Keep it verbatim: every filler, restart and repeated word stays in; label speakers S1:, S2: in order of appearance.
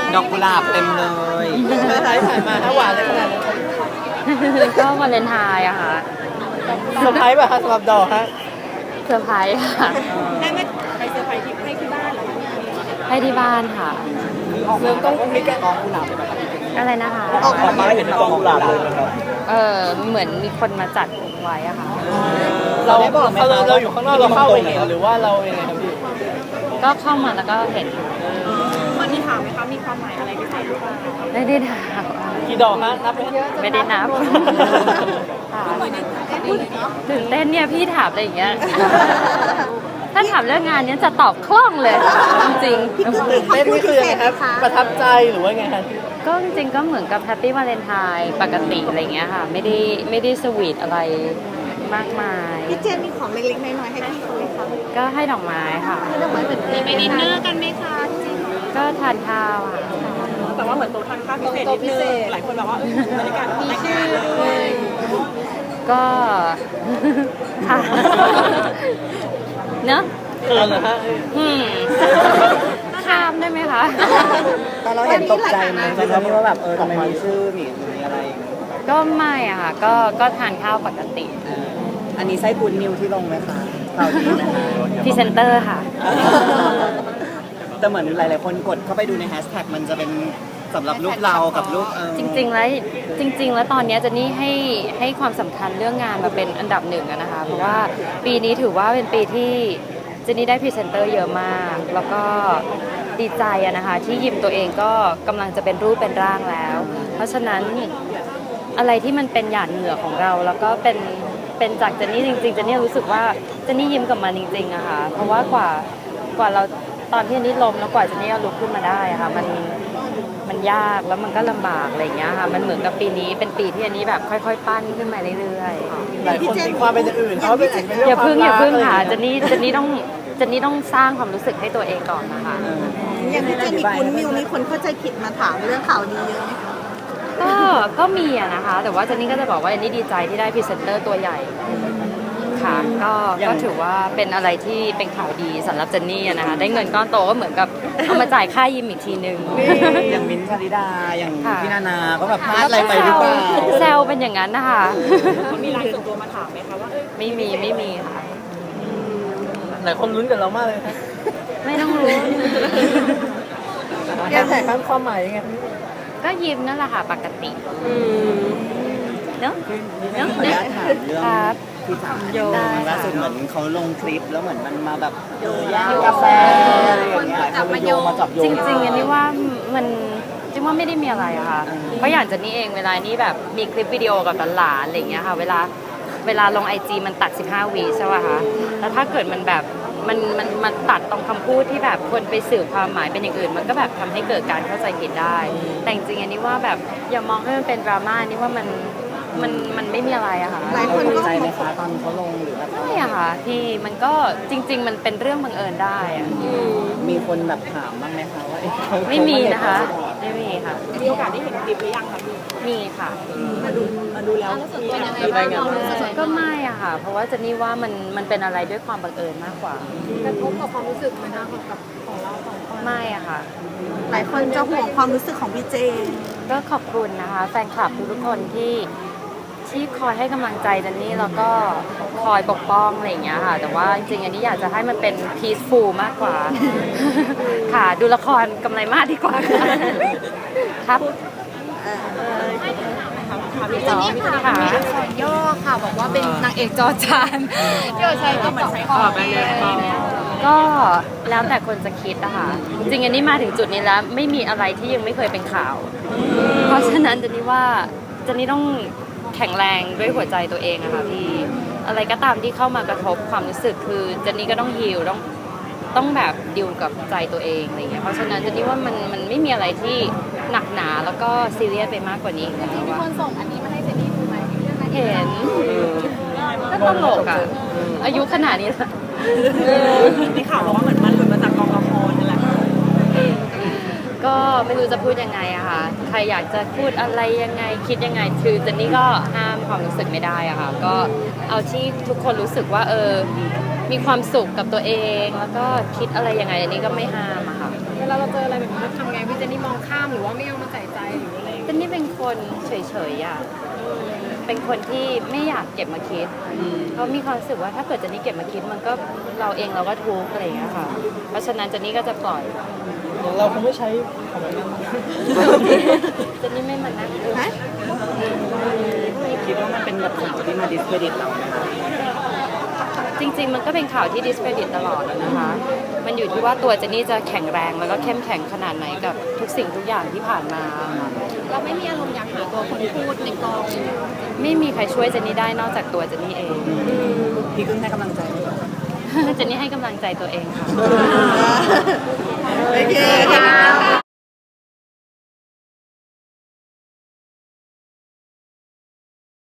S1: ดอกกุหลาบเต็มเลยถ่ายผ่านมาถ้าหวานเลยขนาดนั้น
S2: ก็วาเลนไทน์อะค่ะ
S1: เซอร์ไพรส์ป่ะคะสำหรับดอกฮะ
S2: เซอร์ไพรส์ค่ะ
S3: ได้ไหมไปเซอร์ไพรส์ที่ให้ที่บ้านเหรอ
S2: ให้ที่บ้านค่ะ
S1: เริ่มต้องมีกองกุหลาบเลยไหมครับ
S2: อะไรนะคะ
S1: ออกมาเห็นกองกุหลาบเลยนะครับ
S2: เออเหมือนมีคนมาจัดไว้อะค่ะ
S1: เราเราเราอยู่ข้างนอกเราเข้าไปเห็นหรือว่าเรายังไงครับพี่
S2: ก็เข้ามาแล้วก็เห็น
S3: วันนี้ถามไหมคะมีความหมายอะไรพิเศษหรือเปล่า
S2: ไม่ได้ถาม
S1: กี่ดอกฮะนับไหมฮะ
S2: ไม่ได้นับค่ะตื่นเต้นเนี่ยพี่ถามอะไรอย่างเงี้ย ถ้าถามเรื่องงานเนี้ยจะตอบคล่องเลย จริง
S1: ตื่นเต้นนี่คือยังไงครับประทับใจหรือว่าไงครับ
S2: ๆก็จริงๆก็เหมือนกับแฮปปี้วาเลนไทน์ปกติอะไรเงี้ยค่ะ ไม่ได้ไม่ได้สวีทอะไรมากมาย
S3: พี่เจนมีของเล็กๆน้อยๆให้พี่เขาไหมคะ
S2: ก็ให้ดอกไม้ค่ะ
S3: ดอกไม้เหมือนมีไปดินเนอร์กันไหมคะจริง
S2: ก็ทานข้าวค่ะ
S3: แต่ว่าเหมือนโต๊ะทานข้าวพิเศษนิดนึงหลายคนแบบว่าบรรยากาศมีชื่อด้วย
S2: ก็ ค่ะเนอะ
S1: เออเหรอฮะ
S2: อืมข้ามได้ไหมคะ
S1: ตอนเราเห็นตกใจไหมตอนนี้ว่าแบบเออทำไมมีชื่อมีมีอะไร
S2: ก็ไม่อะค่ะ ก็ก็ทานข้าวปกติ
S1: อันนี้ไส้กูดนิวที่ลงไหมคะข่าวดีไหมคะ
S2: พรีเซนเตอร์ค่ะ
S1: แต่เหมือนหลายๆคนกดเข้าไปดูในแฮชแท็กมันจะเป็นสำหรับรูปเรากับรูปเออ
S2: จริงๆ แล้วจริง ๆ แล้วตอนนี้เจนนี่ให้ให้ความสำคัญเรื่องงานมาเป็นอันดับหนึ่งอะนะคะ เพราะว่าปีนี้ถือว่าเป็นปีที่เจนนี่ได้พรีเซนเตอร์เยอะมาก แล้วก็ดีใจอะนะคะ ที่ยิมตัวเองก็กำลังจะเป็นรูปเป็นร่างแล้ว เพราะฉะนั้นอะไรที่มันเป็นหยาดเหงื่อของเรา แล้วก็เป็นเป็นจากเจนนี่จริงๆเจนนี่รู้สึกว่าเจนนี่ยิ้มกับมันจริงๆอะค่ะเพราะว่ากว่ากว่าเราตอนที่เจนนี่ล้มแล้วกว่าเจนนี่จะลุกขึ้นมาได้อะค่ะมันมันยากแล้วมันก็ลำบากอะไรอย่างเงี้ยค่ะมันเหมือนกับปีนี้เป็นปีที่อันนี้แบบค่อยๆ ปั้นขึ้นมาเรื่อยๆ
S1: หลายคนตีความเป็นอย่างอื่นเขาเป็น
S2: อย่าพึ่งอย่าพึ่งค่ะเจนนี่เจนนี่ต้องเจนนี่ต้องสร้างความรู้สึกให้ตัวเองก่อนนะคะ
S3: อย่างพี่เจนมีคุณมิวมีคนเข้าใจผิดมาถามเรื่องข่าวดีเยอะไหมคะ
S2: ก็ก็มีอะนะคะ แต่ว่าเจนนี่ก็จะบอกว่าเจนนี่ดีใจที่ได้พรีเซนเตอร์ตัวใหญ่ค่ะก็ก็ถือว่าเป็นอะไรที่เป็นข่าวดีสำหรับเจนนี่อะนะคะได้เงินก้อนโตก็เหมือนกับเอามาจ่ายค่ายิมอีกทีนึง
S1: อย่างมิ้นท์ชลิดาอย่าง
S2: ค่ะ
S1: พี่นานาก็แบบพลาดอะไรไปหรือเปล่า
S2: แซวเป็นอย่างนั้นนะคะ
S3: มีไลน์ส่วนตัวมาถามไหมคะว่าเอ้ย
S2: ไม่มีไม่มีค่ะ
S1: หลายคนลุ้นกับเรามากเลยครับ
S2: ไม่ต้องรู้
S1: แกแท็กครับความหมายยังไง
S2: ก็ยิ้มนั่นแหละค่ะปกติเนาะ
S1: ขออนุญาตถามเรื่อง
S2: ครับ
S1: พี่จ๋า
S2: ได้ค่ะ
S1: ล่าสุดเหมือนเขาลงคลิปแล้วเหมือนมันมาแบบเออย่างกาแฟอะไรอย่างเงี้ยเขาเลยโยงมาจับโยง
S2: จริงๆอันนี้ว่ามันจริงว่าไม่ได้มีอะไรอะค่ะ เพราะอย่างเจนนี่เองเวลานี้แบบมีคลิปวิดีโอกับหลานๆอะไรอย่างเงี้ยค่ะ เวลาเวลาลงไอจีมันตัดสิบห้าวิใช่ป่ะคะแล้วถ้าเกิดมันแบบมันมันมันตัดตรงคำพูดที่แบบคนไปสื่อความหมายเป็นอย่างอื่น มันก็แบบทำให้เกิดการเข้าใจผิดได้ แต่จริงๆอันนี้ว่าแบบอย่ามองให้มันเป็นดราม่านี่ว่ามันมันมันไม่มีอะไรอะค่ะ
S3: หลายคนก็
S1: ใจไหมคะตอนเขาลงหรือแบบ
S2: ไม่อะค่ะที่มันก็จริง ๆ มันเป็นเรื่องบังเอิญได้อะ
S1: มีคนแบบถามบ้างไหมคะว่าเอ๊ะเขา
S2: ไม่มีนะคะ ไม่มีค่ะ
S3: มีโอกาสได้เห็นคลิปหรือยังคะพี่
S2: มีค่ะ
S3: มาดูมาดูแล้วมีอะไร
S1: มีรายงาน
S2: ก็ไม่อะค่ะ เพราะว่าเจนนี่ว่ามันมันเป็นอะไรด้วยความบังเอิญมากกว่า
S3: กระทบกับความรู้สึกไหมคะกับของเราสองคน
S2: ไม่อะค่ะ
S3: หลายคนจะห่วงความรู้สึกของพี่เจน
S2: ก็ขอบคุณนะคะ แฟนคลับทุกๆคนที่ที่คอยให้กำลังใจเจนนี่แล้วก็คอยปกป้องอะไรอย่างเงี้ยค่ะ แต่ว่าจริงๆอันนี้อยากจะให้มันเป็น peaceful มากกว่า ค่ะ ดูละครกำไรมากดีกว่าค่ะครับ
S3: พี่เจนนี่ค่ะ
S2: ค่ะ
S3: มีอักษรย่อค่ะบอกว่าเป็นนางเอกจอจานที่เราใช้ก็เหมือนใช้ขอบไปเลย
S2: ก็แล้วแต่คนจะคิดนะคะ จริงๆอันนี้มาถึงจุดนี้แล้วไม่มีอะไรที่ยังไม่เคยเป็นข่าว เพราะฉะนั้นเจนนี่ว่าเจนนี่ต้องแข็งแรงด้วยหัวใจตัวเองอะค่ะพี่อะไรก็ตามที่เข้ามากระทบความรู้สึกคือเจนนี่ก็ต้องฮีลต้องต้องแบบดิวกับใจตัวเองอะไรเงี้ยเพราะฉะนั้นเจนนี่ว่ามันมันไม่มีอะไรที่หนักหนาแล้วก็ซีเรียสไปมากกว่านี้อีกแล้ว
S3: มี
S2: ว่า
S3: คนส่งอันนี้มาให้เจนนี่ดูไหมเรื่องอะไร
S2: เห็นก็ตลกอะอายุขนาดนี้แล้ว
S3: ที่ข่าวบอกว่าเหมือนมันหลุดมาจากกองละครนั่นแหละ
S2: ก็ไม่รู้จะพูดยังไงอะค่ะ ใครอยากจะพูดอะไรยังไงคิดยังไง คือเจนนี่ก็ห้ามความรู้สึกไม่ได้อะค่ะ ก็เอาที่ทุกคนรู้สึกว่าเออ มีความสุขกับตัวเอง แล้วก็คิดอะไรยังไงอันนี้ก็ไม่ห้ามอะค่ะ
S3: เวลาเราเจออะไรแบบนี้เราทำไงพี่เจนนี่มองข้ามหรือว่าไม่เอามาใส่ใจหรืออะไร
S2: เจนนี่เป็นคนเฉยๆอ่ะเป็นคนที่ไม่อยากเก็บมาคิดเพราะมีความรู้สึกว่าถ้าเกิดเจนนี่เก็บมาคิดมันก็เราเองเราก็ทุกข์อะไรอย่างเงี้ยค่ะเพราะฉะนั้นเจนนี่ก็จะปล่อย
S4: เราคงไม่ใช้คำนั้น
S2: เจนนี่ไม่มานั่งดู
S1: คิดว่ามันเป็นแบบข่าวที่มาดิสเครดิตเราไหมคะ
S2: จริงๆ มันก็เป็นข่าวที่ discredit ตลอดนะคะ มันอยู่ที่ว่าตัวเจนนี่จะแข็งแรงแล้วก็เข้มแข็งขนาดไหนกับทุกสิ่งทุกอย่างที่ผ่านมาค่ะ
S3: เราไม่มีอารมณ์อยากหาตัวคนพูดในกองเลย
S2: ไม่มีใครช่วยเจนนี่ได้นอกจากตัวเจนนี่เอง
S1: พี่กึ้งให้กำลังใจไหมคะ
S2: เจนนี่ให้กำลังใจตัวเองค่ะ
S1: โอเคค่ะ